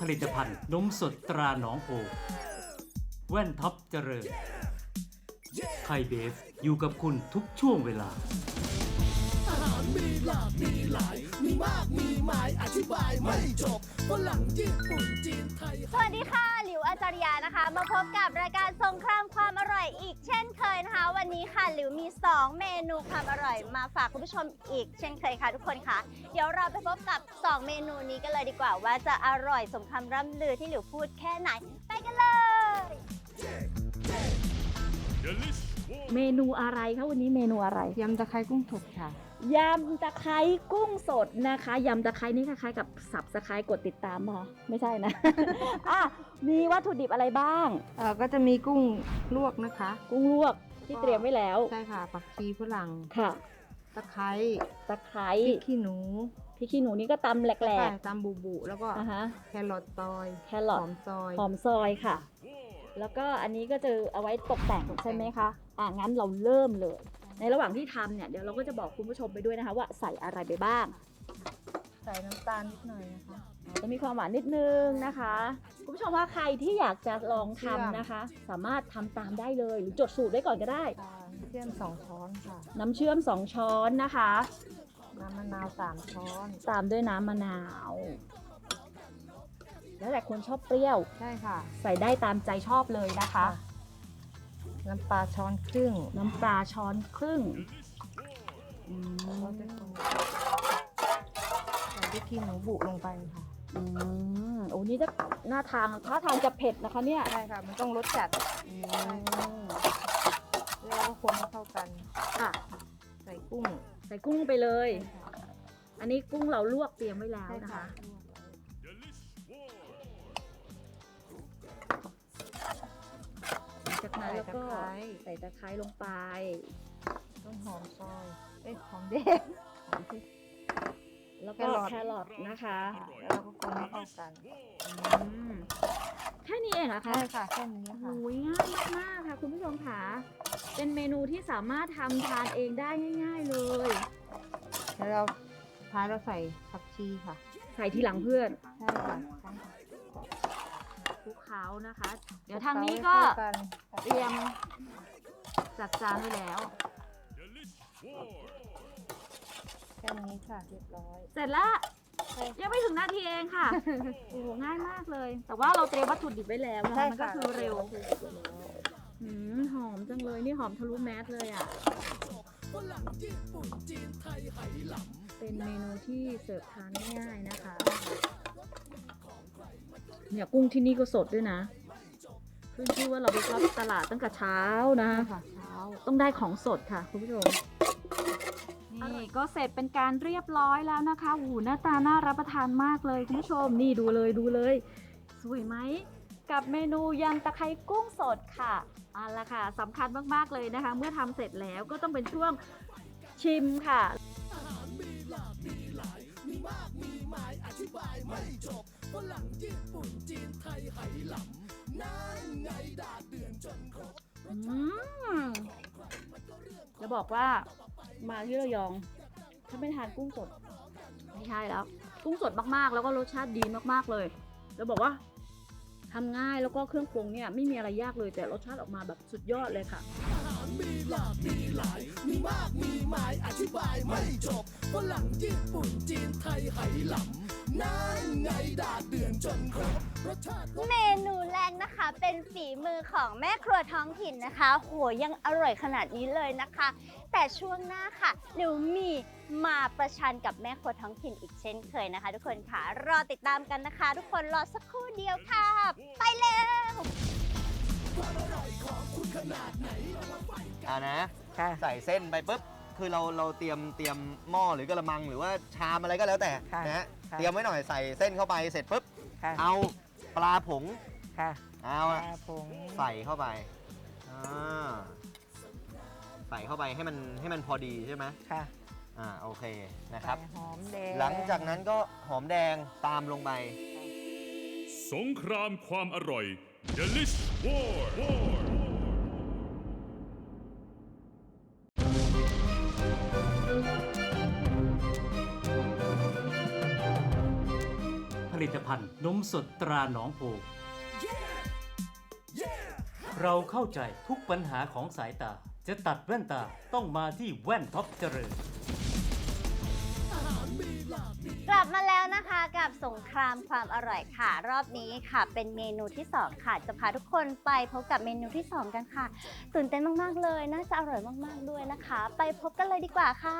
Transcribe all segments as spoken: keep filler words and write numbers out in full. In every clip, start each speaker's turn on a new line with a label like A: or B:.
A: ลิตภัณฑ์นมสดตราหนองโพแว่นท็อปเจริญไทยเบฟอยู่กับคุณทุกช่วงเวลา
B: อาหารมีหลากมีหลายมีมากมีหมายอธิบายไม่จบฝรั่งญี่ปุ่นจีนไทย
C: สวัสดีค่ะหลิวอาจารยานะคะมาพบกับรายการสงครามความอร่อยอีกเช่นเคยนะคะวันนี้ค่ะหลิวมีสองเมนูความอร่อยมาฝากคุณผู้ชมอีกเช่นเคยค่ะทุกคนค่ะเดี๋ยวเราไปพบกับสองเมนูนี้กันเลยดีกว่าว่าจะอร่อยสมคำร่ำลือที่หลิวพูดแค่ไหนไปกันเลย
D: เมนูอะไรคะวันนี้เมนูอะไร
E: ยำตะไคร้กุ้งสดค่ะ
D: ยำตะไคร้กุ้งสดนะคะยำตะไคร้นี่คล้ายๆกับสับสไคร้กดติดตามมาไม่ใช่นะ อ่ะมีวัตถุดิบอะไรบ้าง
E: เออก็จะมีกุ้งลวกนะคะ
D: กุ้งลวกที่เตรียมไว้แล้ว
E: ใช่ค่ะผักชีฝรั่ง
D: ค่ะ
E: ตะไคร้
D: ตะไคร้
E: พริกขี้หนู
D: พริกขี้หนูนี่ก็ตำแหล
E: ใช่
D: ก
E: ตามบูบูแล้วก็
D: ๆอ่ะฮะ
E: แครอทซอย
D: แครอท
E: หอมซอย
D: หอมซอยค่ะ แล้วก็อันนี้ก็จะเอาไว้ตกแต่งใช่ไหมคะอ่ะงั้นเราเริ่มเลย ในระหว่างที่ทำเนี่ยเดี๋ยวเราก็จะบอกคุณผู้ชมไปด้วยนะคะว่าใส่อะไรไปบ้าง
E: ใส่น้ำตาลนิดหน่อยนะคะ
D: จะมีความหวานนิดนึงนะคะคุณผู้ชมว่าใครที่อยากจะลองทำนะคะ สามารถทำตามได้เลยหรือจดสูตรไว้ก่อนก็ได้
E: เชื่อมสองช้อนค่ะ
D: น้ำเชื่อมสองช้อนนะคะ
E: น้ำมะนาวสามช้อน
D: ตามด้วยน้ำมะนาว แล้วแต่คนชอบเปรี้ยว
E: ใช่ค่ะ
D: ใส่ได้ตามใจชอบเลยนะคะ
E: น้ำปลาช้อนครึ่ง
D: น้ำปลาช้อนครึ่งอืม
E: เราจะคนใส่พริกขี้หนูบุลงไปค่ะ
D: อืมโอ้นี่จะหน้าทางท่าทางจะเผ็ดนะคะเนี่ย
E: ใช่ค่ะมันต้องรสจัด
D: อืม
E: แล้วก็คนให้เข้ากัน
D: ค่ะ
E: ใส่กุ้ง
D: ใส่กุ้งไปเลย อันนี้กุ้งเราลวกเตรียมไว้แล้ว
E: ใช่
D: นะ
E: ค่ะ
D: คะจากนั้นแล้วก็ใส่ตะไคร้ลงไป
E: ต้นหอมซอยเอ้ยหอมแดง
D: แล้วก็
E: แครอท
D: แครอทนะคะ
E: แล้วเราก็คนให้เข้ากัน
D: อืมแค่นี้เองเหรอคะ
E: ใช่ค่ะแค่นี้ค่ะ
D: โอ้ยง่ายมากๆค่ะคุณผู้ชมค่ะเป็นเมนูที่สามารถทำทานเองได้ง่าย ๆเลย
E: แล้วเราท้ายเราใส่ผักชีค่ะ
D: ใส่ทีหลังเพื่อน
E: ใช่ค่ะ
D: คลุกเคล้านะคะ เดี๋ยวทางนี้ก็
E: เข้ากัน
D: เตรียมจัดจานไว้แล้ว
E: แค่นี้ค่ะเรียบร้อย
D: เสร็จแล้วยังไม่ถึงนาทีเองค่ะ โอ้โหง่ายมากเลย แต่ว่าเราเตรียมวัตถุดิบไว้แล้วนะคะมันก็คือเร็วหืมหอมจังเลยนี่หอมทะลุแมสเลยอ่ะ
B: ฝรั่งญี่ปุ่นจีนไทยไหหลำ
D: เป็นเมนูที่เสิร์ฟทานง่ายๆนะคะเนี่ยกุ้งที่นี่ก็สดด้วยนะขึ้นชื่อว่าเราไปช็อปตลาดตั้งแต่เช้านะ
E: ใช่ค่ะเช้า
D: ต้องได้ของสดค่ะคุณผู้ชมนี่ก็เสร็จเป็นการเรียบร้อยแล้วนะคะโอ้โหหน้าตาน่ารับประทานมากเลยคุณผู้ชมนี่ดูเลยดูเลยสวยไหมกับเมนูยำตะไคร้กุ้งสดค่ะเอาละค่ะสำคัญมากๆเลยนะคะ เมื่อทำเสร็จแล้วก็ต้องเป็นช่วงชิมค่ะ
B: อาหารมีหลากมีหลายมีมากมีหมายอธิบายไม่จบฝรั่งญี่ปุ่นจีนไทยไหหลำนั่นไงดาดเดือนจนครบ
D: อืมจะบอกว่ามาที่ระยองถ้าไม่ทานกุ้งสดไม่ใช่แล้ว กุ้งสดมากๆ แล้วก็รสชาติดีมากๆเลยจะบอกว่าทำง่ายแล้วก็เครื่องปรุงเนี่ยไม่มีอะไรยากเลยแต่รสชาติออกมาแบบสุดยอดเลยค่ะ
B: อาหารมีหลากมีหลายมีมากมีหมายอธิบายไม่จบฝรั่งญี่ปุ่นจีนไทยไหหลำนั่นไงดาดเดือนจนครบรสชาติ
C: เมนูแรกนะคะเป็นฝีมือของแม่ครัวท้องถิ่นนะคะโหยังอร่อยขนาดนี้เลยนะคะ แต่ช่วงหน้าค่ะหนูมีมาประชันกับแม่ครัวท้องถิ่นอีกเช่นเคยนะคะ ทุกคนค่ะรอติดตามกันนะคะ ทุกคนรอสักครู่เดียวค่ะ ไปเร็ว
F: อ่านะ
E: ค่ะ
F: ใส่เส้นไปปุ๊บคือเราเราเตรียมเตรียมหม้อหรือกระมังหรือว่าชามอะไรก็แล้วแต่
E: ค่ะ
F: นะฮะ
E: ค่ะ
F: เตรียมไว้หน่อยใส่เส้นเข้าไปเสร็จปุ๊บ
E: ค่ะ
F: เอาปลาผง
E: ค่ะ
F: เอา
E: ป
F: อะ
E: ลาผง
F: ใส่เข้าไปอ่าใส่เข้าไปให้มันให้มันพอดีใช่ไหม
E: ค่ะ
F: อ่าโอเคนะครับ
E: ใส่หอมแดง
F: หลังจากนั้นก็หอมแดงตามลงไป
G: สงครามความอร่อย Delish War War
F: ผ
A: ลิตภัณฑ์นมสดตราหนองโพเราเข้าใจทุกปัญหาของสายตาจะตัดแว่นตาต้องมาที่แว่นท็อปเจริญ
C: กลับมาแล้วนะคะกับสงครามความอร่อยค่ะ รอบนี้ค่ะเป็นเมนูที่สองค่ะจะพาทุกคนไปพบกับเมนูที่สองกันค่ะตื่นเต้นมากๆเลยน่าจะอร่อยมากๆด้วยนะคะ ไปพบกันเลยดีกว่าค่ะ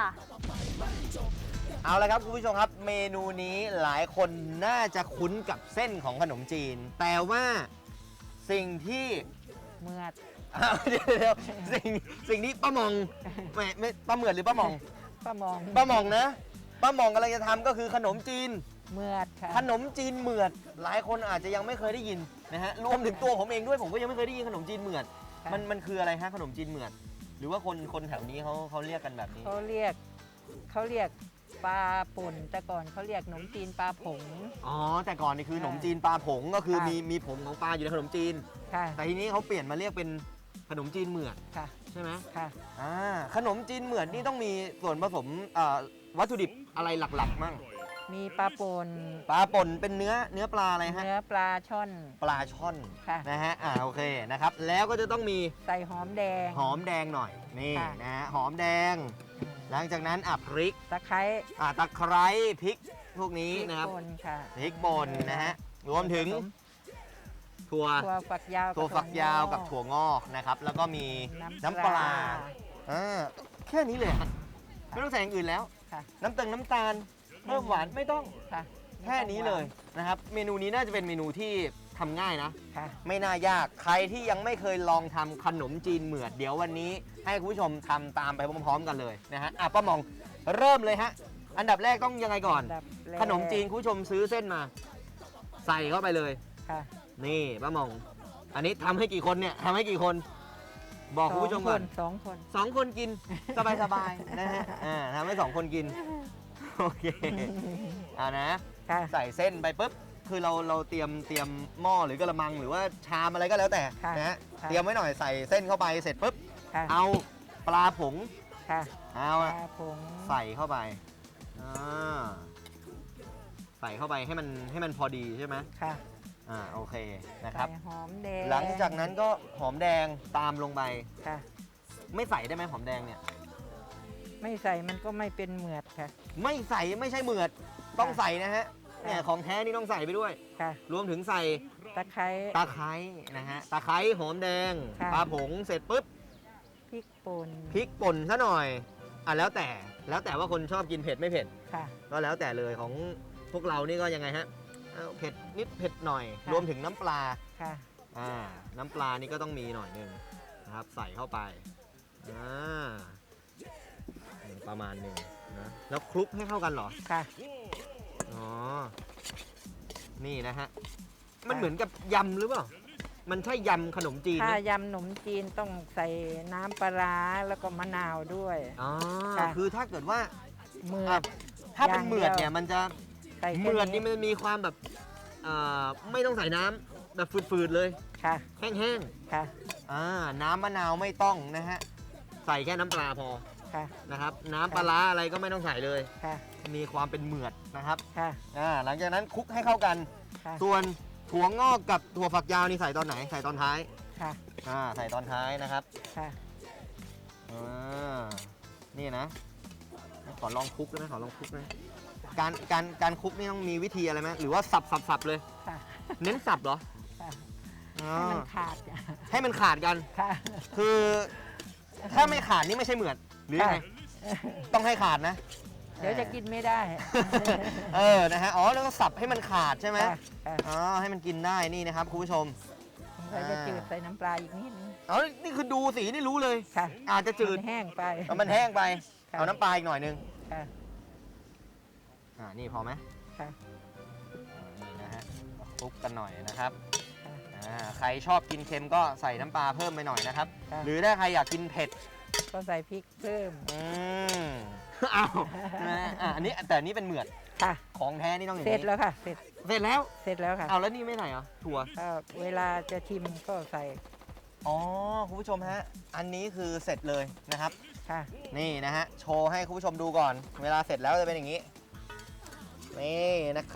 F: เอาละครับคุณผู้ชมครับเมนูนี้หลายคนน่าจะคุ้นกับเส้นของขนมจีน แต่ว่าสิ่งที่
E: เมื่อ
F: อ้าวเดี๋ยวเดี๋ยวสิ่งสิ่งที่ป้าหมองไม่ไม่ป้าเหมือดหรือป้าหมอง
E: ป้ามอง
F: ป้าหมองนะป้าหมองกำลังจะทำก็คือขนมจีน
E: เมื่อค่ะ
F: ขนมจีนเหมือด หลายคนอาจจะยังไม่เคยได้ยินนะฮะรวมถึงตัวผมเองด้วยผมก็ยังไม่เคยได้ยินขนมจีนเหมือดมันมันคืออะไรฮะขนมจีนเหมือด หรือว่าคนคนแถวนี้เขาเขาเรียกกันแบบนี้
E: เขาเรียกเขาเรียกปลาป่นแต่ก่อนเขาเรียกขนมจีนปลาผง
F: อ๋อแต่ก่อนนี่คือขนมจีนปลาผงก็คือ
E: ค่ะ
F: มีมีผงของปลาอยู่ในขนมจีน
E: ค่ะ
F: แต่ทีนี้เขาเปลี่ยนมาเรียกเป็นขนมจีนเหมือด
E: ค่ะ
F: ใช่ไหม
E: ค่ะ
F: อ่าขนมจีนเหมือดนี่ต้องมีส่วนผสมเอ่อวัตถุดิบอะไรหลักๆมั่ง
E: มีปลาป่น
F: ปลาป่นเป็นเนื้อเนื้อปลาอะไรฮะ
E: เนื้อปลาช่อน
F: ปลาช่อน
E: ค่ะ
F: นะฮะอ่าโอเคนะครับแล้วก็จะต้องมี
E: ใส่หอมแดง
F: หอมแดงหน่อยนี่
E: ค่ะ
F: นะฮะหอมแดง หลังจากนั้นอ่ะพริก
E: ตะไคร้
F: อ่ะตะไคร้พริกพวกนี้
E: พริก
F: นะครับ
E: ป่นค่ะ
F: พริกป่นนะฮะรวมถึง
E: ผส
F: ถั่ว
E: ถั่วฝักยาว
F: ถั่วฝักยาวกับ
E: ถั่
F: ถั่วงอกนะครับแล้วก็มี
E: น้ำ
F: น้ำปลาอ่าแค่นี้เลยอะไม่ต้องใส่อย่างอื่นแล้ว
E: ค่ะ
F: น้ำตาลน้ำตาลเพิ่มหวานไม่ต้อง
E: ค่ะ
F: แค่นี้เลยนะครับเมนูนี้น่าจะเป็นเมนูที่ทำง่ายนะ
E: ค่ะ
F: ไม่น่ายากใครที่ยังไม่เคยลองทำขนมจีนเหมือดเดี๋ยววันนี้ให้คุณผู้ชมทำตามไปพร้อมๆกันเลยนะฮะอ่ะป้าหมองเริ่มเลยฮะอันดับแรกต้องยังไงก่อน
E: อันดับแรก
F: ขนมจีนคุณผู้ชมซื้อเส้นมา ใส่เข้าไปเลย
E: ค่ะ
F: นี่ป้าหมอง อันนี้ทำให้กี่คนเนี่ยทำให้กี่คน บอกคุณผู้ชมก่อน
E: สองคน
F: สองคนกินสบายๆนะฮะอ่าทำให้สองคนกินโอเคเอานะ
E: ค่ะ
F: ใส่เส้นไปปุ๊บ คือเราเราเตรียมเตรียมหม้อหรือกระมังหรือว่าชามอะไรก็แล้วแต่
E: ค่ะ
F: นะฮะ
E: ค่ะ
F: เตรียมไว้หน่อยใส่เส้นเข้าไปเสร็จปุ๊บ
E: ค่ะ
F: เอาปลาผง
E: ค่ะ
F: เอา
E: ป
F: อะ
E: ลาผง
F: ใส่เข้าไปอ่าใส่เข้าไปให้มันให้มันพอดีใช่ไหม
E: ค่ะ
F: อ่าโอเคนะครับ
E: ใส่หอมแดง
F: หลังจากนั้นก็หอมแดงตามลงไป
E: ค่ะ
F: ไม่ใส่ได้ไหมหอมแดงเนี่ย
E: ไม่ใส่มันก็ไม่เป็นเหมือดค่ะ
F: ไม่ใส่ไม่ใช่เหมือดต้องใส่นะฮะ
E: ค่ะ
F: เนี่ยของแท้นี่ต้องใส่ไปด้วย
E: ค่ะ
F: รวมถึงใส่
E: ตะไคร้
F: ตะไคร้นะฮะตะไคร้หอมแดง
E: ค่ะ
F: ปลาผงเสร็จปุ๊บ
E: พริกป่น
F: พริกป่นซะหน่อยอ่ะแล้วแต่แล้วแต่ว่าคนชอบกินเผ็ดไม่เผ็ด
E: ค่ะ
F: ก็แล้วแต่เลยของพวกเรานี่ก็ยังไงฮะเอาเผ็ดนิดเผ็ดหน่อย
E: ค่ะ
F: รวมถึงน้ำปลา
E: ค่ะ
F: อ่าน้ำปลานี่ก็ต้องมีหน่อยหนึงนะครับใส่เข้าไปอ่าประมาณหนึ่งนะแล้วคลุกให้เข้ากันเหรอ
E: ค่ะ
F: อ๋อ นี่นะฮะ มันเหมือนกับยำหรือเปล่า มันใช่ยำขนมจีน
E: ถ้า
F: ไหม
E: ยำขนมจีนต้องใส่น้ำปลาร้าแล้วก็มะนาวด้วย
F: อ๋อ
E: ค่ะ
F: คือถ้าเกิดว่า
E: เมือ
F: อ่ะ
E: ด
F: ถ้าเป็น
E: อย่าง
F: เหมือด
E: เดียว
F: เนี่ยมันจะ
E: ใส่
F: เห
E: แค่
F: มือดนี่มันจะมีความแบบเอ่อไม่ต้องใส่น้ำแบบฝืดๆเลย
E: ค่ะ
F: แห้ง
E: ค่ะ
F: ๆ อ่า น้ำมะนาวไม่ต้องนะฮะ ใส่แค่น้ำปลาพอ
E: ค่ะ
F: นะครับ น้ำปลาร้าอะไรก็ไม่ต้องใส่เลย
E: ค่ะ
F: มีความเป็นเหมือดนะครับ
E: ค่ะ
F: อ่า หลังจากนั้นคลุกให้เข้ากัน
E: ค่ะ
F: ส่วนถั่วงอกกับถั่วฝักยาวนี่ใส่ตอนไหน ใส่ตอนท้าย
E: ค่ะ
F: อ่า ใส่ตอนท้ายนะครับ
E: ค่ะ
F: อ่า นี่นะ ขอลองคลุกนะ ขอลองคลุกนะ การ การ การคลุกนี่ต้องมีวิธีอะไรไหมหรือว่าสับสับสับเลย
E: ค่ะ
F: เน้นสับเหรอ
E: ค่ะ
F: อ๋อ
E: ให้มันขาด
F: ให้มันขาดกัน
E: ค่ะ
F: คือถ้าไม่ขาดนี่ไม่ใช่เหมือดหรือยังไง ต้องให้ขาดนะ
E: เดี๋ยวจะกินไม่ได้
F: เออ นะฮะ อ๋อ แล้วก็สับให้มันขาดใช่ไหม
E: ค่ะค่ะ
F: อ๋อ ให้มันกินได้นี่นะครับคุณผู้ชม
E: เราจะจืดใส่น้ำปลาอีกนิดนึง
F: อ๋อ นี่คือดูสีนี่รู้เลย
E: ค่ะ
F: อาจจะจืด
E: มันแห้งไป
F: เอามันแห้งไป
E: ค่ะ
F: เอาน้ำปลาอีกหน่อยนึง
E: ค่ะ
F: อ่า นี่พอไหม
E: ค่ะ
F: อ่านี่นะฮะคลุกกันหน่อยนะครับ
E: ค่ะ
F: อ่า ใครชอบกินเค็มก็ใส่น้ำปลาเพิ่มไปหน่อยนะครับ
E: ค่ะ
F: หรือถ้าใครอยากกินเผ็ด
E: ก็ใส่พริกเพิ่ม
F: อืม เอานะฮะอ่าอันนี้แต่อันนี้เป็นเหมือด
E: ค่ะ
F: ของแท้นี่ต้องอย่าง
E: เสร็จ
F: นี้
E: แล้วค่ะ เสร็จ
F: เสร็จแล้ว
E: เสร็จแล้วค่ะ
F: เอาแล้วนี่ไม่ใส่เหรอ ถั่ว
E: ถ้าเวลาจะชิมก็ใส่
F: อ๋อ คุณผู้ชมฮะ อันนี้คือเสร็จเลยนะครับ
E: ค่ะ
F: นี่นะฮะ โชว์ให้คุณผู้ชมดูก่อน เวลาเสร็จแล้วจะเป็นอย่างนี้ นี่นะครับ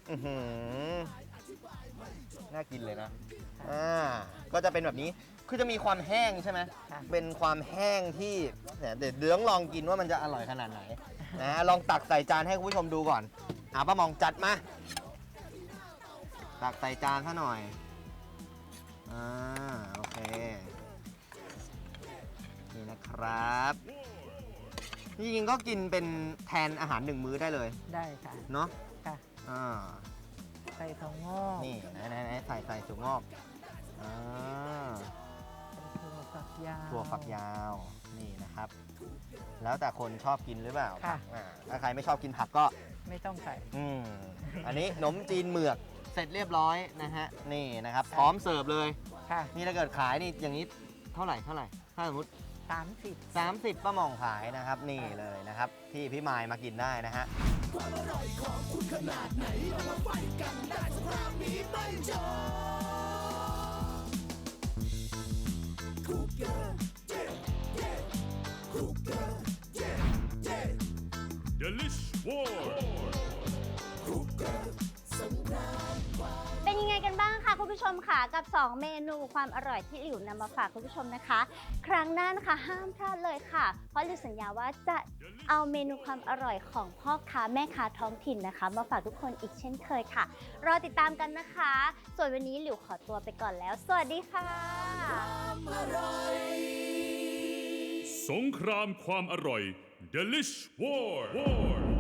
F: อื้อหือน่ากินเลยนะอ่าก็จะเป็นแบบนี้คือจะมีความแห้งใช่ไหม
E: ค่ะ
F: เป็นความแห้งที่เนี่ยเดี๋ยวเดี๋ยวต้องลองกินว่ามันจะอร่อยขนาดไหนนะลองตักใส่จานให้คุณผู้ชมดูก่อนอ่ะป้ามองจัดมาตักใส่จานซะหน่อยอ่าโอเคนี่นะครับจริงๆก็กินเป็นแทนอาหารหนึ่งมื้อได้เลย
E: ได้ค่ะ
F: เนาะ
E: ค่ะ
F: อ่า
E: ใส่ถั่วงอก
F: นี่ไหนไหนไหนใส่ใส่ถั่วงอกอ่า
E: ถั่วฝักยาว
F: ถั่วฝักยาวนี่นะครับ แล้วแต่คนชอบกินหรือเปล่า
E: ค่ะ
F: อ่าถ้าใครไม่ชอบกินผักก็
E: ไม่ต้องใส่
F: อืมอันนี้ขนมจีนเหมือกเสร็จเรียบร้อยนะฮะนี่นะครับพร้อมเสิร์ฟเลย
E: ค่ะ
F: นี่ถ้าเกิดขายนี่อย่างนี้เท่าไหร่เท่าไหร่ถ้าสมมติ
E: สามสิบ
F: 30ป้าหมองขายนะครับนี่เลยนะครับ ที่พี่มายมากินได้นะฮะ
B: ความอร่อยของคุณขนาดไหนเรามาไฟกันได้สงครามนี้ไม่จบคุกเกอร์เย่เย่คุกเกอร์เย่เย่
G: Delish War
B: คุกเกอร์สงครามความ
C: เป็นยังไงกันบ้างคะคุณผู้ชมค่ะกับ สอง เมนูความอร่อยที่หลิวนำมาฝากคุณผู้ชมนะคะ ครั้งหน้านะคะห้ามพลาดเลยค่ะ เพราะหลิวสัญญาว่าจะเอาเมนูความอร่อยของพ่อค้าแม่ค้าท้องถิ่นนะคะ มาฝากทุกคนอีกเช่นเคยค่ะ รอติดตามกันนะคะ ส่วนวันนี้หลิวขอตัวไปก่อนแล้ว สวัสดีค่ะ
B: อร่อย
G: สงครามความอร่อย Delish War War